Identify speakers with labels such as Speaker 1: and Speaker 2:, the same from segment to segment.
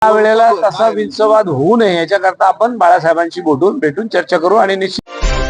Speaker 1: या वेळेला तसा विंचवाद होऊ नये याच्याकरता आपण बाळासाहेबांशी भेटून चर्चा करू आणि निश्चित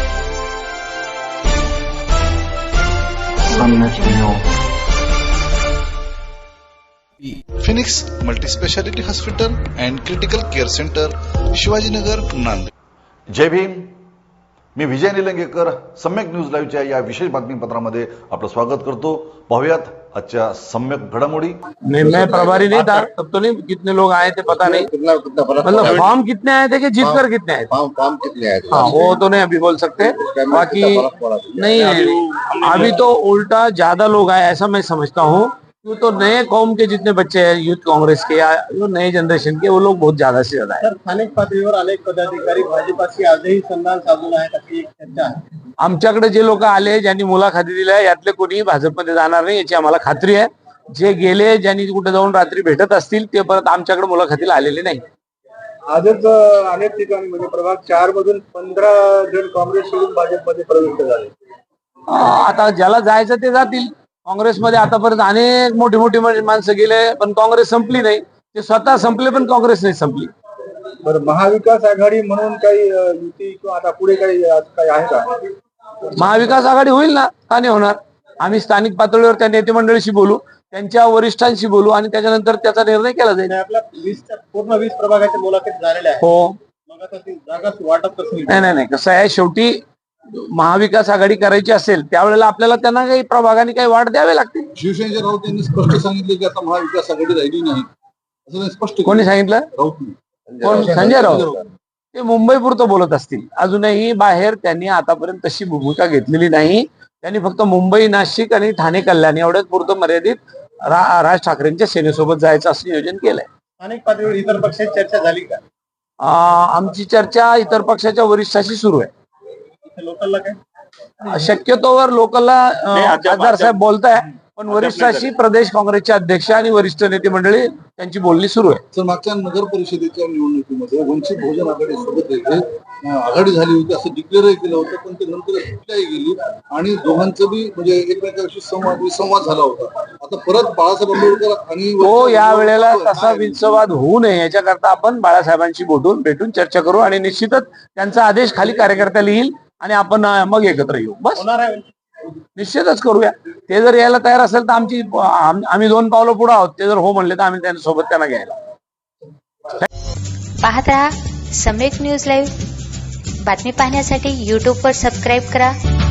Speaker 2: Phoenix multispeciality hospital and critical care centre, Shivajinagar, Nanded.
Speaker 3: जय भीम. मी विजय निलंगेकर सम्यक न्यूज लाईव्हच्या या विशेष बातमीपत्रामध्ये आपलं स्वागत करतो. पाहुयात आजच्या सम्यक घडामोडी.
Speaker 1: मैं प्रभारी नहीं था तब तो नहीं, कितने लोग आए थे पता नहीं, मतलब फॉर्म कितने आए थे कि जीत कर कितने आए थे,
Speaker 4: फॉर्म कितने आए थे?
Speaker 1: हाँ वो तो नहीं अभी बोल सकते. बाकी नहीं, अभी तो उल्टा ज्यादा लोग आए ऐसा मैं समझता हूँ. क्यों तो नए कौम के जितने बच्चे हैं यूथ कांग्रेस के या जो नए जनरेशन के, वो लोग बहुत ज्यादा से ज्यादा है.
Speaker 5: स्थानिक पातळीवर अनेक पदाधिकारी भाजपाशी आजही संधान साधून आहेत अशी एक चर्चा आहे.
Speaker 1: आमच्याकडे जे लोक आले, ज्यांनी मुलाखती दिल्या, यातले कोणीही भाजपमध्ये जाणार नाही याची आम्हाला खात्री आहे. जे गेले, ज्यांनी कुठे जाऊन रात्री भेटत असतील, ते परत आमच्याकडे मुलाखतीला आलेले नाही.
Speaker 5: आजच अनेक ठिकाणी म्हणजे प्रभाग 4 मधून 15 जण काँग्रेस सोडून भाजपमध्ये प्रविष्ट झाले.
Speaker 1: आता ज्याला जायचं ते जातील. काँग्रेसमध्ये आतापर्यंत अनेक मोठी मोठी माणसं गेले, पण काँग्रेस संपली नाही. ते स्वतः संपले पण काँग्रेस नाही संपली.
Speaker 5: बरं, महाविकास आघाडी म्हणून काही युती किंवा आता पुढे काही आहे का?
Speaker 1: महाविकास आघाडी होईल ना, का नाही होणार. आम्ही स्थानिक पातळीवर त्या नेते मंडळीशी बोलू, त्यांच्या वरिष्ठांशी बोलू आणि त्याच्यानंतर त्याचा निर्णय केला जाईल.
Speaker 5: आपल्या पूर्ण 20 प्रभागाच्या मुलाखत झालेल्या आहेत.
Speaker 1: हो,
Speaker 5: मग आता ती जागा वाटप कसं होईल?
Speaker 1: नाही कसं आहे, शेवटी महाविकास आघाडी करायची असेल त्यावेळेला आपल्याला त्यांना काही प्रभागाने काही वाढ द्यावे लागतील.
Speaker 6: शिवसेनेच्या राऊत यांनी स्पष्ट सांगितले की आता महाविकास आघाडी राहिली नाही, असं स्पष्ट.
Speaker 1: कोणी सांगितलं?
Speaker 6: राऊत.
Speaker 1: कोण? संजय राऊत. ते मुंबई पुरतं बोलत असतील. अजूनही बाहेर त्यांनी आतापर्यंत तशी भूमिका घेतलेली नाही. त्यांनी फक्त मुंबई, नाशिक आणि ठाणे, कल्याण एवढ्याच पुरतं मर्यादित राज ठाकरेंच्या सेनेसोबत जायचं असं नियोजन केलंय.
Speaker 5: स्थानिक पातळीवर इतर पक्षाची चर्चा झाली का?
Speaker 1: आमची चर्चा इतर पक्षाच्या वरिष्ठाशी सुरू आहे.
Speaker 5: लोकलला काय
Speaker 1: शक्यतोवर लोकलला खासदार साहेब बोलताय, पण वरिष्ठाशी प्रदेश काँग्रेसचे अध्यक्ष आणि वरिष्ठ नेते मंडळी त्यांची बोलणी सुरू आहे.
Speaker 6: तर मागच्या नगर परिषदेच्या निवडणुकीमध्ये वंचित बहुजन आघाडी सोबत आघाडी झाली होती असं डिक्लेअर केलं होतं, पण ते नंतर सुटल्याही गेली आणि दोघांचं बी म्हणजे एकमेकांशी संवाद झाला होता. आता परत बाळासाहेब आंबेडकर आणि
Speaker 1: तो या वेळेला तसा विंचवाद होऊ नये याच्याकरता आपण बाळासाहेबांशी भेटून चर्चा करू आणि निश्चितच त्यांचा आदेश खाली कार्यकर्त्याला येईल आणि आपण मग एकत्र येऊ. बस
Speaker 5: होणार आहे.
Speaker 1: निश्चितच करूया. ते जर यायला तयार असेल तर आम्ही 2 पावलं पुढे आहोत. ते जर हो म्हणले तर आम्ही त्यांच्यासोबत त्यांना घ्यायला.
Speaker 7: पाहत रहा सम्यक न्यूज लाईव्ह. बातमी पाहण्यासाठी YouTube वर सबस्क्राईब करा.